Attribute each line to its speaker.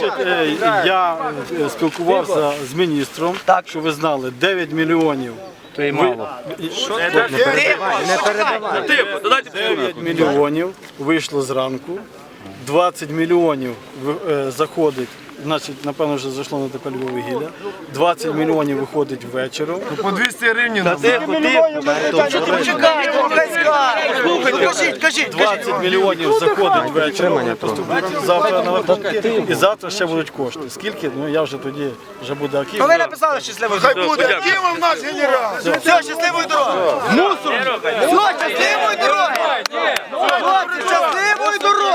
Speaker 1: Я спілкувався з міністром, що ви знали, 9 мільйонів.
Speaker 2: То й мало.
Speaker 1: 9 мільйонів вийшло зранку, 20 мільйонів заходить, значить, напевно, вже зайшло на ТП Львоввугілля, 20 мільйонів виходить ввечері.
Speaker 3: По 200 гривень.
Speaker 4: Кажіть.
Speaker 1: 20 мільйонів заходить ввечері, вони поступлять завтра на рахунки, і завтра ще будуть кошти. Скільки? Ну я вже тоді, вже буде Аків.
Speaker 4: Ви написали щасливої дороги.
Speaker 3: Хай буде Акимов наш генерал.
Speaker 4: Все, щасливої дороги. Все, щасливої дороги. Щасливої дороги.